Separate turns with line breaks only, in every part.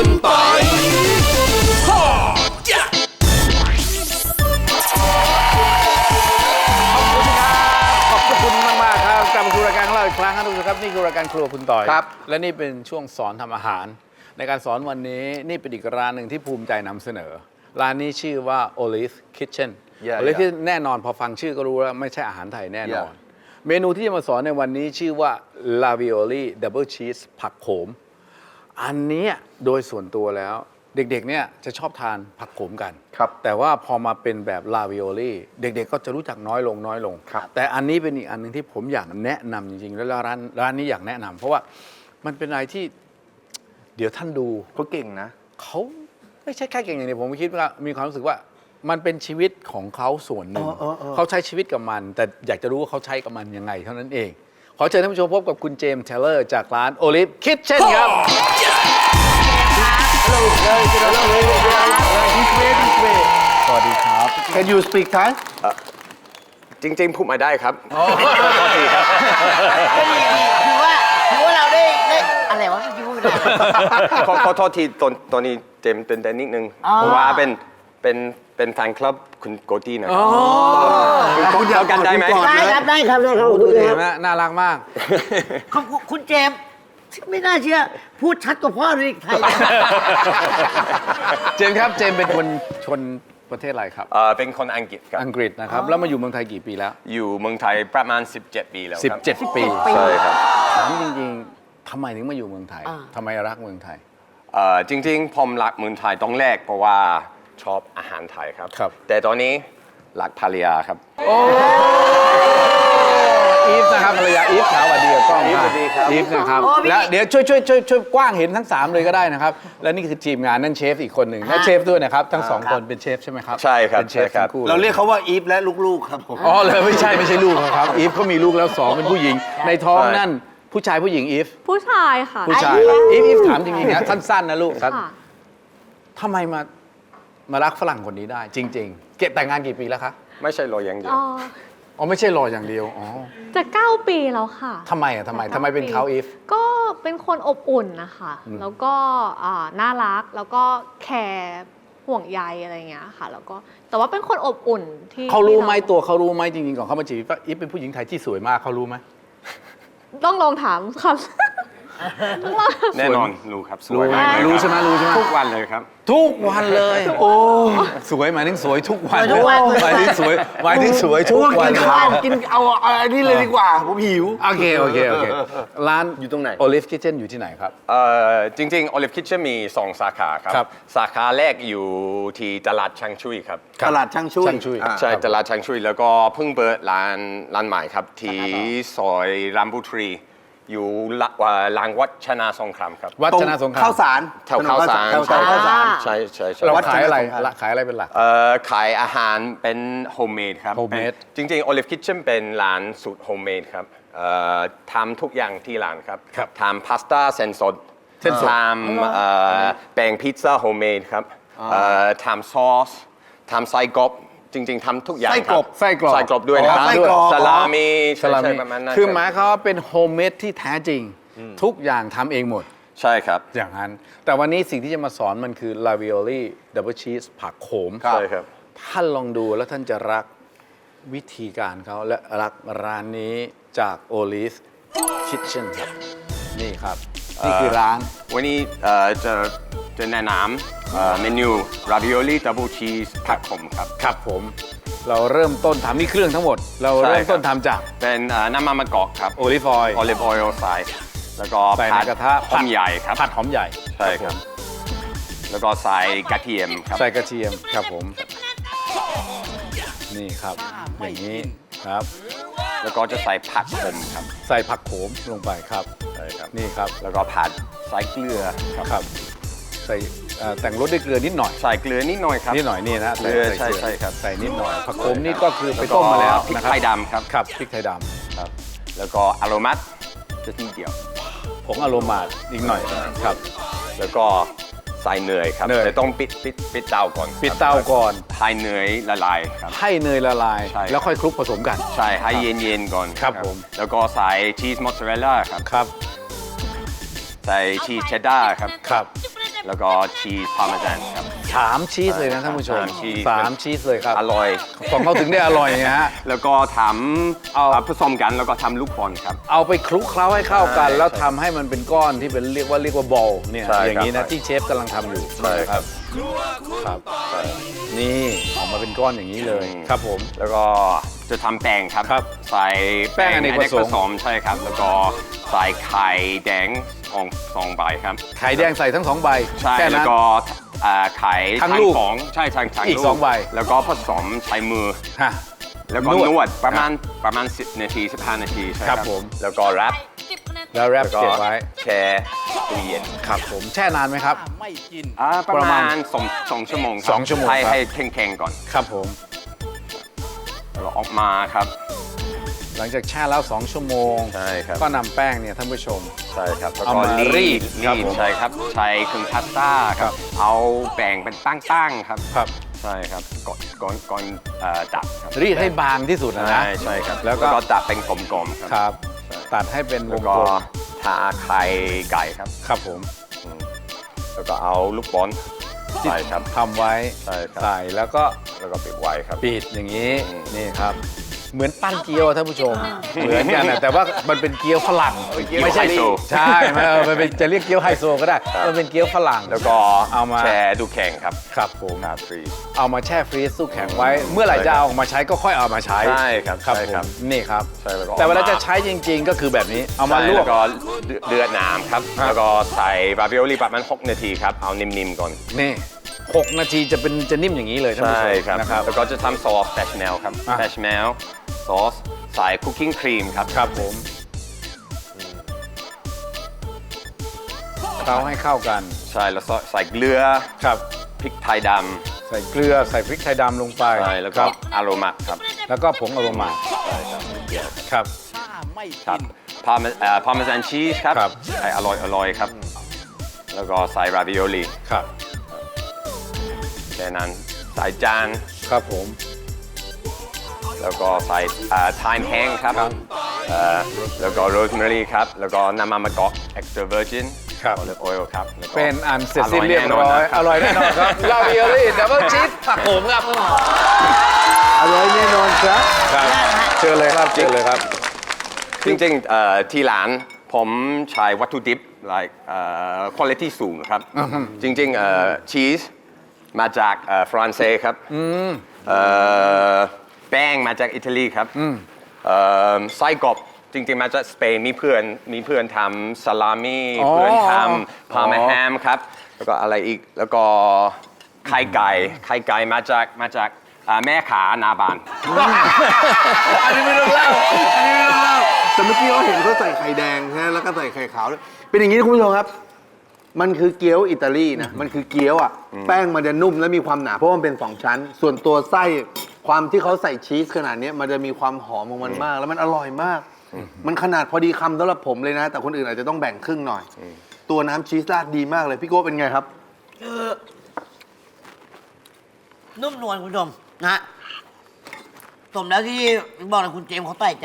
คุณปอย
ขอบคุณมากๆครับกลับมาสู่รายการของเราอีกครั้งครับทุกท่านครับนี่คือรายการครัวคุณต่อย
ครับ
และนี่เป็นช่วงสอนทำอาหาร ในการสอนวันนี้นี่เป็นอีกร้านหนึ่งที่ภูมิใจนำเสนอ ร้านนี้ชื่อว่า Olive Kitchen Olive Kitchen แน่นอนพอฟังชื่อก็รู้แล้วไม่ใช่อาหารไทยแน่นอน เมนูที่จะมาสอนในวันนี้ชื่อว่า Ravioli Double Cheese ผักโขมอันนี้โดยส่วนตัวแล้วเด็กๆเนี่ยจะชอบทานผักโขมกัน
ครับ
แต่ว่าพอมาเป็นแบบลาวิโอลี่เด็กๆก็จะรู้จักน้อยลง
ครับ
แต่อันนี้เป็นอีกอันหนึ่งที่ผมอยากแนะนำจริงๆ แล้วร้านนี้อยากแนะนำเพราะว่ามันเป็นอะไรที่เดี๋ยวท่านดู
เขาเก่งนะ
เขาไม่ใช่แค่เก่งอย่างเดียวผมคิดว่ามีความรู้สึกว่ามันเป็นชีวิตของเขาส่วนหนึ่งเขาใช้ชีวิตกับมัน แต่อยากจะรู้ว่าเขาใช้กับมันยังไงเท่านั้นเองขอเชิญท่านผู้ชมพบกับคุณเจมส์เทเลอร์จากร้าน Olive Kitchen ครับ
สวัสดีครับ Can you speak Thai
จริงๆพูดมาได้ครับ
คือว่าเราได้อะไรวะที่พูดไม่ได้
ขอโทษทีตอนนี้เจมส์ตื่นเต้นนิดนึงเพราะว่าเป็นแฟนคลับคุณโกตี้นะคุณเข้ากันได้ไหม
ได้ครับได้ครับ
ดูดิเห็นไหมน่ารักมาก
ขอบคุณเจมส์ไม่น่าเชื่อ พูดชัดกว่าพ่อเลยไทย
เจมส์ครับเจมส์เป็นคนชนประเทศอะไรครับ
เป็นคนอังกฤษครับ
อังกฤษนะครับแล้วมาอยู่เมืองไทยกี่ปีแล้ว
อยู่เมืองไทยประมาณ 17 ปีแล้วครับ
17 ปี
ใช่ครับ
ถามจริงๆทำไมถึงมาอยู่เมืองไทยทำไมรักเมืองไทย
จริงๆผมรักเมืองไทยต้องแรกเพราะว่าชอบอาหารไทยครับ
ครับ
แต่ตอนนี้รักภรรยาครับ
อีฟนะครับภรรยาอีฟขาวสวัสดีกับกล้อง
อีฟสวัสดีครับ
อีฟนะครับแล้วเดี๋ยวช่วยกว้างเห็นทั้ง 3 เลยก็ได้นะครับ และนี่คือทีมงานนั่นเชฟอีกคนหนึ่งและเชฟด้วยนะครับ ทั้ง 2 คนเป็นเชฟใช่ไหมครับ
ใช่ครับ
เป็นเชฟ
ใช่ครับ
ทั้งคู่
เราเรียกเขาว่าอีฟและลูกๆครับผม
อ๋อเลยไม่ใช่ลูกเขาครับอีฟเขามีลูกแล้ว 2 เป็นผู้หญิง ในท้องนั่นผู้ชายผู้หญิงอีฟ
ผู้ชายค่ะ
ผู้ชายอีฟถามจริงๆนะสั้นๆนะลูก
ค่ะ
ทำไมมารักฝรั่งคนนี้ได้ จริงๆเก็บแต่งงานกี่ปีแล้วคะ
ไม่ใช่รออย่างเดียว
อ๋อไม่ใช่รออย่างเดียวอ๋อ
จะ 9 ปีแล้วค่ะ
ทำไมเป็นเขาอีฟ
ก็เป็นคนอบอุ่นนะคะแล้วก็น่ารักแล้วก็แคร์ห่วงใยอะไรอย่างเงี้ยค่ะแล้วก็แต่ว่าเป็นคนอบอุ่นที่
เขารู้ไหม
ที่
ตัวเขารู้ไหมจริงๆก่อนเขามาจีบว่าอีฟเป็นผู้หญิงไทยที่สวยมากเขารู้ไหม
ต้องลองถามค่ะ ต้องลอง
แน่นอนรู้ครับส
รู้
วยมากเลย
รู้ใช่ไหมรู้ใช่ไหม
ทุกวันเลยครับ
ทุกวันเลย โอ้สวยหมายถึงสวยทุกวันหมายถึงสวยทุกวัน
กินเอาอันนี้เลยดีกว่า ผมหิว
โอเคร้าน
อยู่ตรงไหน
Olive Kitchen อยู่ที่ไหนครับ
จริงๆ Olive Kitchen มี 2 สาขาครับ
ครับ
สาขาแรกอยู่ที่ตลาดช่างชุยครับ
ตลาดช่างช่วย
ช่างช่วย
อ่า
ใช่ตลาดช่างชุยแล้วก็เพิ่งเปิดร้านใหม่ครับ ที่ซอยรามบุตรี อยู่หลังวัดชนะสงครามครับ
วัดชนะสงคราม
ข้าวสาร
แถวข้าวสาร
แถวข้าวสาร
ใช่ใช่ใช่
เรา
วัด
ขายอะไร
ชนะสงคราม
ขายอะไรเป็นหลัก
ขายอาหารเป็นโฮมเมดครับ
Homemade
จริงๆ Olive Kitchen เป็นร้านสูตรโฮมเมดครับทำทุกอย่างที่ร้านครับ
ครับ
ทำพาสต้าเส้นสด
เส้นสด
ทำแป้งพิซซ่าโฮมเมดครับทำซอสทำไส้กรอบจริงๆทำทุกอย่างครับ
ไส้กรอบ
ไส้กรอบด้วยนะครั
ไส้กรอบ
สลามี
สลา
ใช่
มิ
ประมาณนั้น
คือห
รับ
มายเขามว่าเป็นโฮมเมดที่แท้จริง ทุกอย่างทำเองหมด
ใช่ครับ
อย่างนั้น แต่วันนี้สิ่งที่จะมาสอนมันคือ Ravioli Double Cheese ผักโขม
ใช่ครับ
ท่านลองดูแล้วท่านจะรักวิธีการเขาและรักร้านนี้จาก Olive Kitchen ครับนี่ครับ นี่คือร้าน
วันนี้จะแนะนำเมนู ravioli double cheese ผักขมครับ
ครับผม เราเริ่มต้นทำนี่เครื่องทั้งหมด เราเริ่มต้นทำจาก
เป็นน้ำมันมะกอกครับ
โอลิฟออยล์
olive oil ใส่แล้วก็
ใส่ในกระทะ
หอมใหญ่ครับ
ผัดหอมใหญ่
ใช่ครับ แล้วก็ใส่กระเทียมครับ
ใส่กระเทียมครับผม นี่ครับ อย่างนี้ครับ
แล้วก็จะใส่ผักขมครับ
ใส่ผักโขมลงไปครับ
ใช่ครับ
นี่ครับ
แล้วก็ผัดใส่เกลือครับ
ครับ ใส่แต่งรสด้วยเกลือนิดหน่อย
ใส่เกลือนิดหน่อยครับ
นิดหน่อยนี่นะ
เกลือ
ใส่
ใช่ครับ
ใส่นิดหน่อยผักโขมนี่ก็คือไปต้มมาแล้ว
พริก
นะครับ
ไทยดำครับ
ครับพริกไทยด
ครับ แล้วก็อโรมัตจะทีเดียว
ำผงอโรมาอีกหน่อยครับ
แล้วก็ใส่เนยครับ
เนย
แต่ต้องปิดเตาก่อนครับ
ปิดเตาก่อน
ให้เนยละลายครับ
ให้เนยละลาย
ใช่
แล้วค่อยคลุกผสมกัน
ใช่ให้เย็นๆก่อน
ครับผม
แล้วก็ใส่ชีสมอสซาเรลล่าครับ
ครับ
ใส่ชีสเชดดาร์ครับ
ครับ
แล้วก็ชีสพาร์เมซานครับ
3 ชีสเลยนะท่านผู้ชม
3 ชีส
3 ชีสเลยครับ
อร่อย
ของเขาถึงได้อร่อยไงฮะ
แล้วก็ท
เอา
ำผสมกันแล้วก็ทำลูกบอลครับ
เอาไปคลุกเคล้าให้เข้ากัน
ใช่
แล้วทำให้มันเป็นก้อนที่เป็นเรียกว่าบอลเนี่ย
ใช่ครับ
อย่างนี้นะที่เชฟกำลังทำอยู่
ใช่ครับ
ครับนี่ออกมาเป็นก้อนอย่างนี้เลย
อืม
ครับผม
แล้วก็จะทำแป้งครับ
ครับ
ใส่
แป้งอเนกประสงค์
ใช่ครับ แล้วก็ใส่ไข่แดงสองใบครับ
ไข่แดงใส่ทั้ง2 ใบ
ใช่
แค่
แล้ว
นั้น
ก็ไข่
ทั้งลูก
ของใช่ทั้ง
อีก
ลู
2 ใบ
แล้วก็ผสมใช้มือ
ฮะ
แล้วก็
นวด
นวดประมาณ10 นาที 15 นาทีใช่
ครับผม
แล้วก็แรป
แล้วแรป
แล้วก็
เก็บไว้
แช่ตู้เย็น
ครับผมแช่นานไหมครับ
ประ
ประมา
มา
ณ
ณ2 ชั่วโมงครับ
2 ชั่วโมง
ให้
ครับ
ให้แข็งๆก่อน
ครับผม
แล้วก็ออกมาครับ
หลังจากแช่แล้ว 2 ชั่วโมง
ใช่ครับ
ก็นำแป้งเนี่ยท่านผู้ชม
ใช่ครับแล้ว
เอา
ก็
มารีดครับผม
ใช่ครับใช้เครื่องพาสต้าครับ เอาแบ่งเป็นตั้งๆครับ
ครับ
ใช่ครับก่อนตัดครับ
รีดให้บางที่สุดนะ
ใช่ครับ
แล้วก็
ตัดเป็นกลมๆครับ
ครับ ตัดให้เป็นว
แล้ว
ง
ก็
กลม
ทาไข่ไก่ครับ
ครับผม
แล้วก็เอาลูกบอลใส่ครับ
ทำไว้
ใช่ครับ
ใส่แล้วก็
แล้วก็ปิดไว้ครับ
ปิดอย่างนี้
อืม
นี่ครับ เหมือนปั้นเกี๊ยวท่านผู้ชม เหมือนกันนะแต่ว่ามันเป็นเกี๊ยวฝรั่ง
เกี๊ยว
ไม่ใช่
ไฮโซ
ใช่มันเป็นจะเรียกเกี๊ยวไฮโซก็ได้
ครับ
มันเป็นเกี๊ยวฝรั่ง
แล้วก็
เอามา
แช่ดูแข็งครับ
ครับผม
ครับฟรี
เอามาแช่ฟรีซตู้แข็งไว้ เมื่อไหร่จะเอาออกมาใช้ก็ค่อยเอามาใช้
ใช่ครับ
ครับ
ใช่
ผ
ครับ
มนี่ครับ
ใช่แล้วก็
แต่เวลา
เอามา
จะใช้จริง ๆ ก็คือแบบนี้เอามา
ใช่
ลว
แล้
ก
วก็เดือดน้ำครับ
ครับ
แล้วก็ใส่บาร์บีโอลีประมาณ6 นาทีครับ เอานิ่มๆก่อน
นี่6 นาทีจะนิ่มอย่างนี้เลยท่านผู้ช
ใช่
ม
ครับ
นะครับ
แล้วก็จะทำซอสแบชเมลครับ
อ่ะ
แบชเมลซอสใส่คุกกิ้งครีมครับ
ครับผมเคล้าให้เข้ากัน
ใช่แล้วใส่เกลือ
ครับ
พริกไทยด
ใส่เกลือใส่พริกไทยดำลงไป
ำใช่แล้ว
ค
ก็
รับ
อโรมาครับ
แล้วก็ผงอโรมา
ใช่ครับเกี่ยว
ครับ
ครับพาร์เมซานชีสครับ
ครับ
ใส่อร่อยครับ แล้วก็ใส่ราวิโอลี
ครับ
แค่นั้นใส่จาน
ครับผม
แล้วก็ใส่ไทม์แห้งครับ
ครับ
แล้วก็โรสแมรี่ครับ แล้วก็น้ำมันมะกอก extra virgin
ครับ
olive oil ครับแล้วก็
เป็นอันเสร็จสิ้นเรียบร้อย อ
อร่
ร่
อ
อย ย
แน่
แน่
น
น
อ
อน นครับลาวิโอลี่ดับเบิลชีสผักโขมครับ
อร่อยแน่นอนครับ
ครับเชิญเลยครับเชิญเลยครับ
จริงๆที่ร้านผมใช้วัตถุดิบ like quality สูงครับ จริงๆชีสมาจากฝรั่งเศสครับแป้งมาจากอิตาลีครับไส้กรอบจริงๆมาจากสเปนมีเพื่อนทำซาลามี่
อ๋อ
เพื่อนทำพาร์มาแฮมครับ แล้วก็อะไรอีกแล้วก็ไข่ไก่มาจากแม่ขาหนาบาน
อันนี้ไม่ต้องเล่าแต่เมื่อกี้เขาเห็นเขาใส่ไข่แดงใช่ไหมแล้วก็ใส่ไข่ขาวด้วยเป็นอย่างนี้นะคุณผู้ชมครับ มันคือเกี๊ยวอิตาลีนะ มันคือเกี๊ยวอ่ะ แป้งมันจะนุ่มและมีความหนา เพราะมันเป็น 2 ชั้น ส่วนตัวไส้ความที่เขาใส่ชีสขนาดนี้มันจะมีความหอมของมันมาก แล้วมันอร่อยมาก มันขนาดพอดีคำสำหรับผมเลยนะ แต่คนอื่นอาจจะต้องแบ่งครึ่งหน่อย ตัวน้ำชีสราดดีมากเลย พี่โก้เป็นไงครับ
คือนุ่มนวลคุณผู้ชมนะฮะสมแล้วที่บอกเลยคุณเจมส์เขาใส่ใจ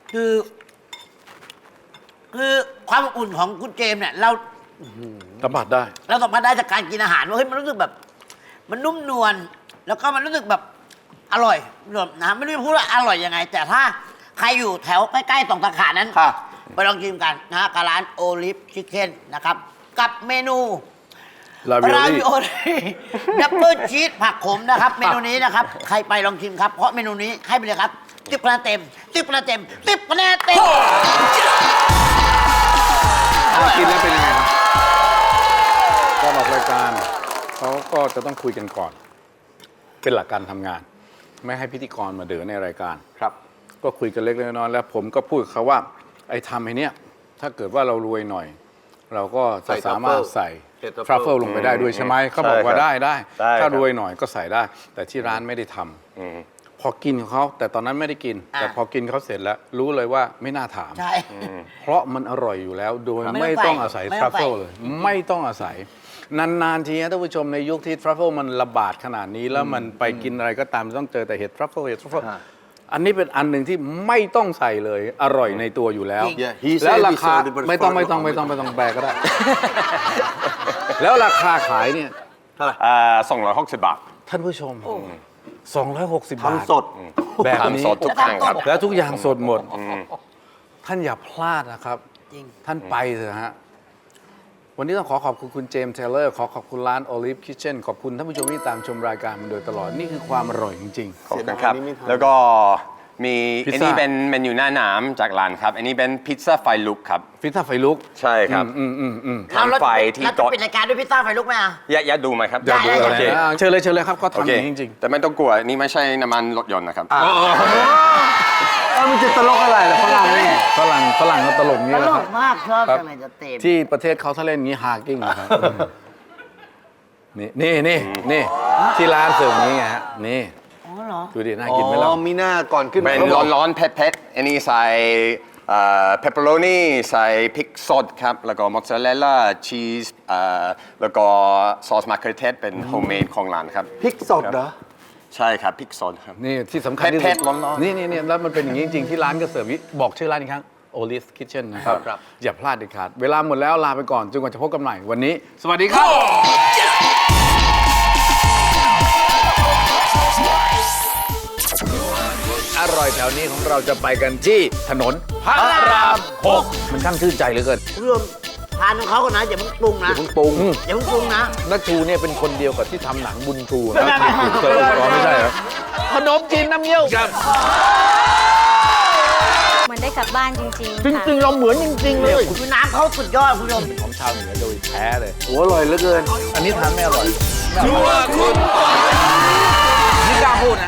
คือความอบอุ่นของคุณเจมส์เนี่ยเรา
สัมผัสได้
เราสัมผัสได้จากการกินอาหารว่าเฮ้ยมันรู้สึกแบบ มันนุ่มนวลแล้วก็มันรู้สึกแบบอร่อยนะไม่รู้จะพูดว่าอร่อยยังไง แต่ถ้าใครอยู่แถวใกล้ๆตรงสาขานั้น
ค่ะ
ไปลองชิมกันนะฮะกับร้านโอลิฟชิคเก้นนะครับ กับเมนู
ลาวิโอ
รา
ลี่
วิโอลี่ดับเบิลชีสผักขมนะครับ เมนูนี้นะครับ ใครไปลองชิมครับ เพราะเมนูนี้ให้ไปเลยครับ10 คะแนนเต็ม10 คะแนนเต็ม10 คะแนนเต็ม
กินแล้วเป็นยังไงครับ
ก่อนออกรายการเขาก็จะต้องคุยกันก่อน เป็นหลักการทำงาน ไม่ให้พิธีกรมาเดือในรายการ
ครับ
ก็คุยกันเล็กๆน้อยๆแล้วผมก็พูดกับเขาว่าไอ้ทำไอ้เนี้ยถ้าเกิดว่าเรารวยหน่อย เราก็จะสามารถใส่
เห็ด
ทรัฟเฟิลลงไปได้ด้วยใช่ไหมเขาบอกว่า
ใช่
ได้
ได้ครับ
ถ้ารวยหน่อยก็ใส่ได้ แต่ที่ร้านไม่ได้ทำ
อืม
พอกินของเขาแต่ตอนนั้นไม่ได้กิน แต่พอกินเขาเสร็จแล้ว รู้เลยว่าไม่น่าถาม
ใช่
เพราะมันอร่อยอยู่แล้ว โดย
ไม่
ไม่
ต้
ต้
อ
อง ง
ใส่
อาศัย
ไม่
ท
ต้
รั
อง
ฟเฟิล
ใส่
เลย ไม่ต้องอาศัย นานๆทีนะท่านผู้ชมในยุคที่ทรัฟเฟิลมันระบาดขนาดนี้ แล้วมันไปกินอะไรก็ตามต้องเจอแต่เห็ดทรัฟเฟิลอันนี้เป็นอันหนึ่งที่ไม่ต้องใส่เลย อร่อยในตัวอยู่แล้ว
Yeah, he
แล้ว
said
รา
he
คา
sold it, but
ไม่ต้อง
for-
แปลก็ได้แล้วราคาขายเนี่ย
260 บาท
ท่านผู้ชม 260 บาท
ทำสด
แบบนี้
ทำสดทุกครั้งครับ
แล้วทุกอย่างสดหมด ท่านอย่าพลาดนะครับ
จริง
ท่านไปเถอะฮะ วันนี้ต้องขอบคุณคุณเจมส์เทเลอร์ขอบคุณร้าน Olive Kitchen ขอบคุณท่านผู้ชมที่ตามชมรายการมาโดยตลอด นี่คือความอร่อยจริง
ขอบคุณครับ
เสียดายนี่ไม่ทัน
แล้วก็มี
พิซซ่า
อันนี้เป็นเมนูหน้าน้ำจากร้านครับ อันนี้เป็นพิซซ่าไฟลุกครับ
ๆ พิซซ่าไฟลุก
ใช่ครับ
เรา
ทำไฟที่
เราจะ
โต๊ะ
ปิดรายการด้วยพิซซ่าไฟลุกไหมอ่ะ
อยากดูไหมครับ
ได้ได้
โอเค
เชิญเลยครับเขา
โอ
ทำอ
เค
ย่างนี้จริง
แต่ไม่ต้องกลัว นี่ไม่ใช่น้ำมันรถยนต์นะครับ
มันจะตลกอะไรล่ะฝรั่งนี่
ๆ ฝรั่งเขาตลก
ต
นี่แห
ล
ละครั
ก
บ
มากชอบ
ครับ
จังเลยจะเต็ม
ที่ประเทศเขาถ้าเล่นอย่างนี้ฮากิ้งนะครับนี่ที่ร้านเสิร์ฟนี้ไงฮะนี่
อ๋อเหรอ
ดูดิน่ากินไหมล่ะ
อ๋อมีหน้าก่อนขึ้น
เป็นร้อนๆเผ็ดๆอันนี้ใส่เปปเปอโรนีใส่พริกสดครับ แล้วก็มอสซาเรลล่าชีสแล้วก็ซอสมะเขือเทศเป็นโฮมเมดของร้านครับ
พริกสดเหรอ
ใช่ครับพริกสดครับ
นี่ที่สำคัญที่
เผ็
สุ
ด
ด
ๆร้อนๆ
นี่แล้วมันเป็นอย่างนี้จริงๆที่ร้านก็เสิร์ฟนี้บอกชื่อร้านอีกครั้ง Olive Kitchen นะครับ
ครับ
อย่าพลาดเด็ดขาดเวลาหมดแล้วลาไปก่อนจนกว่าจะพบกันใหม่วันนี้ สวัสดีครับ อร่อยแถวนี้ของเราจะไปกันที่ถนนพระราม 6 มันช่างชื่นใจเหลือเกิน
คุณผู้ชมทานของเขาก่อนนะอย่าเพิ่งปรุงนะ
เพิ่งปรุง
อย่าเพิ่งปรุงนะ
นักชูเนี่ยเป็นคนเดียวกับที่ทำหนังบุญชูนะ
ไม่
เสิร์ฟก่อนไม่ใช่เหรอขนมจีนน้ำเงี้ยวครับ
เหมือนได้กลับบ้านจริงๆ
จ
ค่ะ
ริงๆเราเหมือนจริงๆเลย
คือน้ำเขาสุดยอดคุณผู้ชม
ของชาวเหนือโดยแท้เลย
โอ้อร่อยเหลือเกิน
อันนี้ทานไม่อร่อย
นี่กล้าพูด